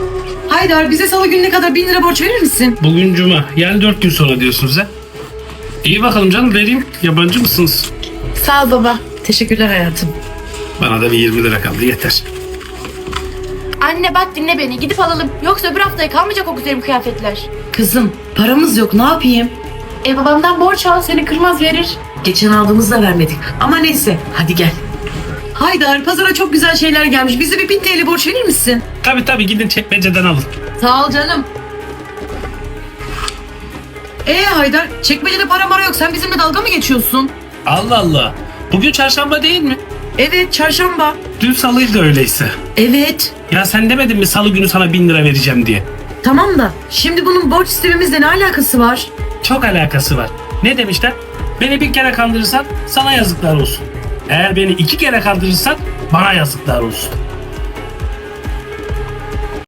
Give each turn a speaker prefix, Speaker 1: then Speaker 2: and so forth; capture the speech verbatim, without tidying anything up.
Speaker 1: Haydar, bize salı gününe kadar bin lira borç verir misin?
Speaker 2: Bugün cuma. Yani dört gün sonra diyorsunuz ha? İyi bakalım canım, vereyim. Yabancı mısınız?
Speaker 3: Sağ ol baba.
Speaker 1: Teşekkürler hayatım.
Speaker 2: Bana da bir yirmi lira kaldı, yeter.
Speaker 3: Anne bak dinle beni. Gidip alalım. Yoksa öbür haftaya kalmayacak o güzelim kıyafetler.
Speaker 1: Kızım, paramız yok, ne yapayım?
Speaker 3: E babamdan borç al, seni kırmaz verir.
Speaker 1: Geçen aldığımızda vermedik. Ama neyse, hadi gel. Haydar, pazara çok güzel şeyler gelmiş. Bize bir bin T L borç verir misin?
Speaker 2: Tabii tabii, gidin çekmeceden alın.
Speaker 1: Sağ ol canım. Ee Haydar, çekmecede para mara yok. Sen bizimle dalga mı geçiyorsun?
Speaker 2: Allah Allah. Bugün çarşamba değil mi?
Speaker 1: Evet, çarşamba.
Speaker 2: Dün salıydı öyleyse.
Speaker 1: Evet.
Speaker 2: Ya sen demedin mi salı günü sana bin lira vereceğim diye?
Speaker 1: Tamam da şimdi bunun borç istememizle ne alakası var?
Speaker 2: Çok alakası var. Ne demişler? Beni bir kere kandırırsan sana yazıklar olsun. Eğer beni iki kere kandırırsan bana yazıklar olsun.